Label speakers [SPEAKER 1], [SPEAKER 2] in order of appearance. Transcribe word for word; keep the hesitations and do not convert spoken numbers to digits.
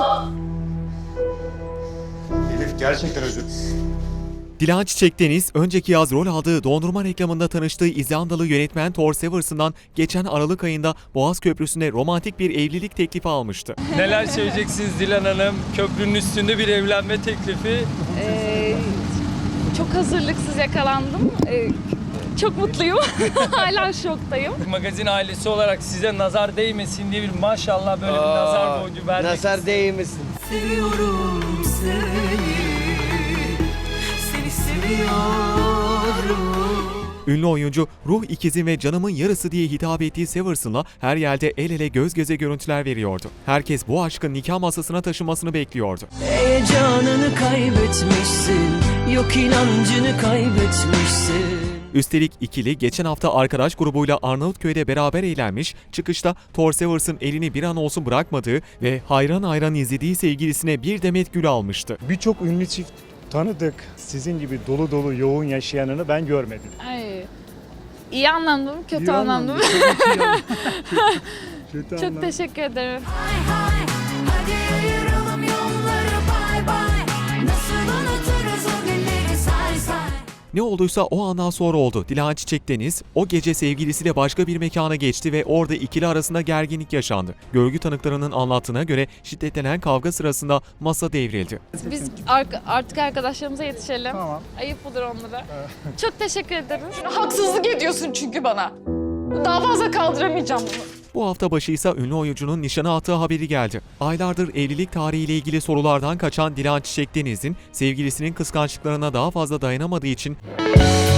[SPEAKER 1] Elif gerçekten özür.
[SPEAKER 2] Dilan Çiçek Deniz, önceki yaz rol aldığı dondurma reklamında tanıştığı İzlandalı yönetmen Thor Severson'dan geçen Aralık ayında Boğaz Köprüsü'nde romantik bir evlilik teklifi almıştı.
[SPEAKER 3] Neler söyleyeceksiniz Dilan Hanım? Köprünün üstünde bir evlenme teklifi.
[SPEAKER 4] Ee, çok hazırlıksız yakalandım. Ee, çok mutluyum. Hala şoktayım.
[SPEAKER 3] Magazin ailesi olarak size nazar değmesin diye bir maşallah böyle bir
[SPEAKER 5] Aa,
[SPEAKER 3] nazar boncuğu vermek
[SPEAKER 5] Nazar değmesin.
[SPEAKER 6] Seviyorum seni, seni seviyorum.
[SPEAKER 2] Ünlü oyuncu, ruh ikizim ve canımın yarısı diye hitap ettiği Severson'la her yerde el ele göz göze görüntüler veriyordu. Herkes bu aşkın nikah masasına taşınmasını bekliyordu.
[SPEAKER 6] Heyecanını kaybetmişsin, yok inancını kaybetmişsin.
[SPEAKER 2] Üstelik ikili geçen hafta arkadaş grubuyla Arnavutköy'de beraber eğlenmiş, çıkışta Thor Seversson elini bir an olsun bırakmadığı ve hayran hayran izlediği sevgilisine bir demet gül almıştı.
[SPEAKER 1] Birçok ünlü çift tanıdık. Sizin gibi dolu dolu yoğun yaşayanını ben görmedim.
[SPEAKER 4] Ay, iyi anlamda mı, kötü
[SPEAKER 1] İyi
[SPEAKER 4] anlamda mı?
[SPEAKER 1] anlamda, tabii ki yani. Kötü
[SPEAKER 4] Çok
[SPEAKER 1] anlamda.
[SPEAKER 4] teşekkür ederim.
[SPEAKER 6] Hay hay, hadi ayıralım yolları bay bay. Nasıl unuturuz o günleri say say.
[SPEAKER 2] Ne olduysa o andan sonra oldu. Dilan Çiçek Deniz o gece sevgilisiyle başka bir mekana geçti ve orada ikili arasında gerginlik yaşandı. Görgü tanıklarının anlattığına göre şiddetlenen kavga sırasında masa devrildi.
[SPEAKER 4] Biz ar- artık arkadaşlarımıza yetişelim.
[SPEAKER 1] Tamam.
[SPEAKER 4] Ayıp olur onlara. Çok teşekkür ederim. Haksızlık ediyorsun çünkü bana. Daha fazla kaldıramayacağım bunu.
[SPEAKER 2] Bu hafta başı ise ünlü oyuncunun nişana attığı haberi geldi. Aylardır evlilik tarihiyle ilgili sorulardan kaçan Dilan Çiçek Deniz'in sevgilisinin kıskançlıklarına daha fazla dayanamadığı için